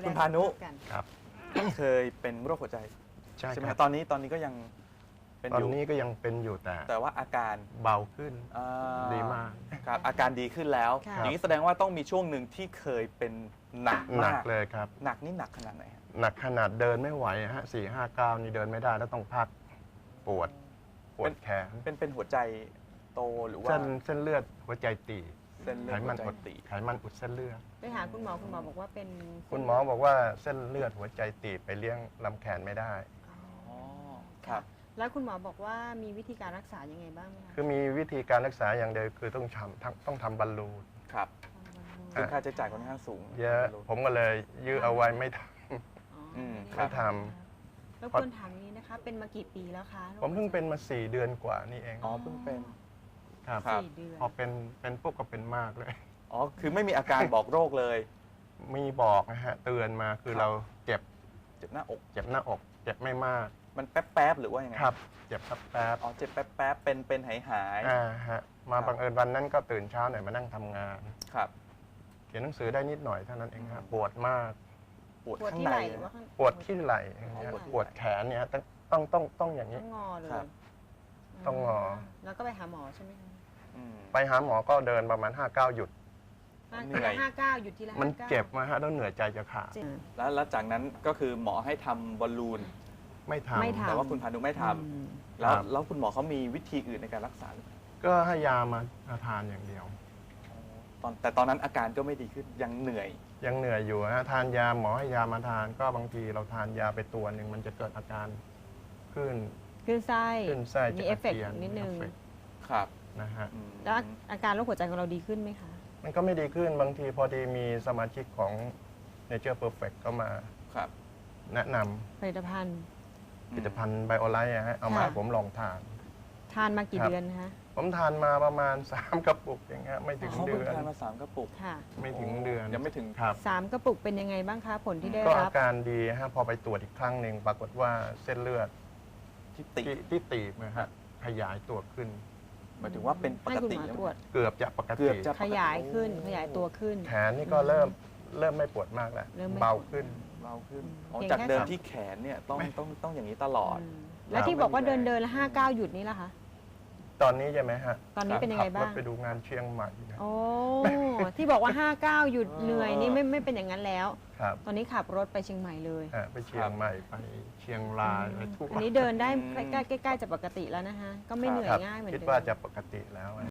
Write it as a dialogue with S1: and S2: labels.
S1: คุณพานุ
S2: ครับ
S1: เคยเป็นโรคหัวใจ
S2: ใช่
S1: ใช่ไหม
S2: ครับ
S1: ตอนนี้ก็ยังเป็น
S2: ตอน
S1: อยู่
S2: นี้ก็ยังเป็นอยู่
S1: แต่ว่าอาการ
S2: เบาขึ้น
S1: อ่า
S2: ดีมาก
S1: ครับอาการดีขึ้นแล้ว
S3: ค่ะ
S1: อย่างนี้แสดงว่าต้องมีช่วงหนึ่งที่เคยเป็นหนัก
S2: หนั
S1: มาก ก
S2: เลยครับ
S1: หนักนี่หนักขนาดไหนครับ
S2: หนักขนาดเดินไม่ไหวฮะ4-5 ก้าวนี่เดินไม่ได้แล้วต้องพักปวดแขน
S1: เป็นหัวใจโตหรือว่า
S2: เส้นเลือดหัวใจตีบ
S1: เส้นเลือ
S2: ไข
S1: ด
S2: มั
S1: หัวน ใจ
S2: อุด
S1: ตีบ
S2: ไขมันอุดเส้นเลือด
S3: ไปหาคุณหมอบอกว่าเป็น
S2: คุณหมอบอกว่าเส้นเลือดหัวใจตีบไปเลี้ยงลำแขนไม่ได้
S1: อ๋อครับ
S3: แล้วคุณหมอบอกว่ามีวิธีการรักษายังไงบ้างไหมคะ
S2: คือมีวิธีการรักษาอย่างเดียวคือต้องทำบอลลูน
S1: ครับ
S2: อ่า
S1: ซึ่งค่าใช้จ่ายค่อนข้างสูง
S2: เยอะผมก็เลยยื้อเอาไว้ไม่ท
S1: อืม
S2: ไม่ท
S3: แล้วควรถามอย่างนี้นะคะ เป็นมากี่ปีแล้วคะ
S2: ำผมเพิ่งเป็นมา4 เดือนกว่านี่เอง
S1: อ๋อเพิ่งเป็น
S2: ครับ
S1: ครับ
S3: 4 เดือน
S2: พอเป็นปุ๊บก็เป็นมากเลย
S1: อ๋อคือไม่มีอาการบอกโรคเลย
S2: มีบอกนะฮะเตือนมาคือ
S1: ครับ
S2: เราเจ็บ
S1: เจ็บหน้าอก
S2: เจ็บหน้าอก เจ็บไม่มาก
S1: มันแป๊บๆหรือว่ายังไง
S2: ครับ เจ็บแป๊บ
S1: อ๋อเจ็บแป๊บๆเป็นหาย
S2: ฮะมา
S1: ครับ
S2: บังเอิญวันนั้นก็ตื่นเช้าหน่อยมานั่งทำงาน
S1: ๆครับ
S2: เขียนหนังสือได้นิดหน่อยเท่านั้นเองครับปวดมาก
S1: ปวด
S3: ปวด
S1: ข้าง
S3: ที่
S1: ใน
S3: ไหล่หรือว่าข้าง
S2: ปวดที่ไหล่อย่างเงี้ย
S1: อ๋อ
S2: ปวดแขนเนี่ยต้องอย่าง
S3: ต้
S2: นี้
S3: องงอเลย
S1: ครับ
S2: ต้องงอ
S3: แล้วก็ไปหาหมอใช่ไหมคะ
S1: อืม
S2: ไปหาหมอก็เดินประมาณ5 ก้าวหยุด
S1: เหนื่อย
S3: 59หยุดทีละ
S2: มัน
S3: 59
S2: เจ็บมาฮะแล้วเหนื่อยใจจะขาด
S3: เจ็บ
S1: แล้วจากนั้นก็คือหมอให้ทำบอลลูน
S2: ไม่ท
S3: ไม่ทำ
S1: แต่ว่าคุณพานุไม่ท
S3: อืม
S1: ำแล้วคุณหมอเขามีวิธีอื่นในการรักษาหรือเปล่า
S2: ำก็ให้ยามาทานอย่างเดียว
S1: แต่ตอนนั้นอาการก็ไม่ดีขึ้นยังเหนื่อย
S2: ยังเหนื่อยอยู่ฮะทานยาหมอให้ยามาทาน ก็บางทีเราทานยาไปตัวหนึ่งมันจะเกิดอาการขึ้น
S3: ขึ้นไส้
S2: ขึ้นไส้
S3: มี
S2: จะ
S3: เอฟเฟกต์
S2: จีย
S3: นิดนึง
S2: เอฟเฟกต์
S1: ครับ
S2: นะฮะ
S1: อืม
S3: แล้วอาการโรคหัวใจของเราดีขึ้นไหมคะ
S2: มันก็ไม่ดีขึ้นบางทีพอดีมีสมาชิกของ Nature Perfect ก็มา
S1: ครับ
S2: แนะนำ
S3: ผลิตภัณฑ์
S2: ผลิตภัณฑ์ไบโอไลท์ฮะเอามา
S3: ค่ะ
S2: ให้ผมลองทาน
S3: ทานมากี่
S2: ครับ
S3: เดือนนะคะ
S2: ผมทานมาประมาณ 3 กระปุกอย่างเงี้ยไม่ถึง
S1: เขา
S2: เดื
S1: เพิ่ง
S2: อน
S1: ทานมา3 กระปุก
S3: ค่ะ
S2: ไม่ถึงเดือน
S1: ยังไม่ถึง
S2: ครับ
S3: 3 กระปุกเป็นยังไงบ้างคะ ผลที่ได้
S2: ก็
S3: รั
S2: อา
S3: บ
S2: การดีฮะพอไปตรวจอีกครั้งหนึ่งปรากฏว่าเส้นเลือด
S1: ที่ติด
S2: ที่ตีบนะฮะขยายตัวขึ้น
S1: หมายถึงว่าเป็นป
S3: ให้
S1: ก
S3: คุณ
S1: ติ
S3: หมอ
S1: แล้ว
S3: ตรวจ
S2: เกือบจะปก
S1: เกื
S2: ติ
S1: อบจะ
S3: ขยายขึ้น ขยายตัวขึ้น
S2: แขนนี่ก็เริ่มไม่ปวดมากแล้ว
S3: เริ่มไม่
S2: เบา
S3: ปวด
S2: ขึ้น
S1: เบาขึ้นอ๋อ
S3: เพียง
S1: จาก
S3: แค่
S1: เดิม
S3: สาม
S1: ที่แขนเนี่ยต้องอย่างนี้ตลอด
S3: อืมแล้วที่บอกว่าเดินแล้ว59หยุดนี่ล่ะคะ
S2: ตอนนี้ใช่ไหมฮะ
S3: ตอนนี้เป็นยังไง
S2: ขั
S3: บ้า
S2: รง ถไปดูงานเชียงใหม่นะ
S3: โอ้ ที่บอกว่า 59 หยุดเหนื่อยนี่ไม่เป็นอย่างนั้นแล้ว
S2: ครับ
S3: ตอนนี้ขับรถไปเชียงใหม่เลย
S2: ไปเชียงใหม่ไปเชียงรายไปทุก
S3: อันนี้เดินได้ใกล้ๆจะปกติแล้วนะคะ ก็ไม่เหนื่อย
S2: ครับ
S3: ง่ายเหมือน
S2: คิด
S3: เดิม
S2: ว่าจะปกติแล้ว